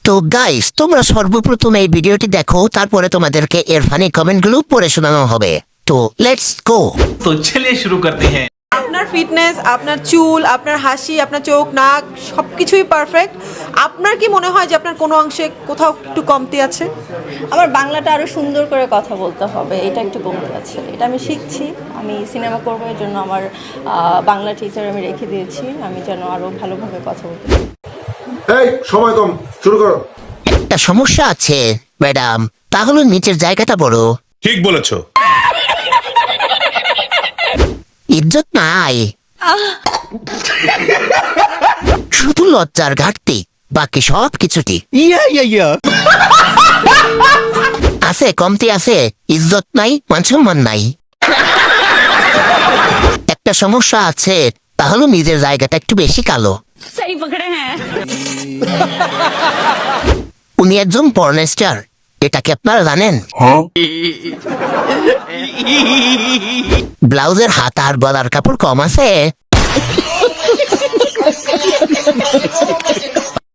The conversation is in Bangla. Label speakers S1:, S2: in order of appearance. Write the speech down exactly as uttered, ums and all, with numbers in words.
S1: তো গাইস, তোমরা সর্বপ্রথম এই ভিডিওটি দেখো, তারপরে তোমাদেরকে এর ফানি কমেন্টগুলো পড়ে শোনানো হবে। তো লেটস গো।
S2: तो चलिए शुरू करते हैं।
S3: আপনার ফিটনেস, আপনার চুল, আপনার হাসি, আপনার চোখ, নাক সব কিছুই পারফেক্ট। আপনার কি মনে হয় যে আপনার কোনো অংশে কোথাও একটু কমতি আছে?
S4: আমার বাংলাটা আরও সুন্দর করে কথা বলতে হবে, এটা একটু কমতে আছে। এটা আমি শিখছি। আমি সিনেমা করবো, এর জন্য আমার আহ, বাংলা টিচার আমি রেখে দিয়েছি, আমি যেন আরও ভালোভাবে কথা বলতে পারি।
S5: এই সময় কম, শুরু করো।
S1: একটা সমস্যা আছে ম্যাডাম, তাহলে নিচের জায়গাটা বড়।
S6: ঠিক বলেছো।
S1: ইজ্জত নাই, শুধু লজ্জার ঘাটতি, বাকি সব কিছুটি আছে। কমতি আছে, ইজ্জত নাই, মান সম্মান নাই। একটা সমস্যা আছে, তাহলে নিজের জায়গাটা একটু বেশি কালো। উনি একজন পর্ন স্টার, এটা কি আপনারা জানেন? ব্লাউজের হাত আর গলার কাপড় কম আছে।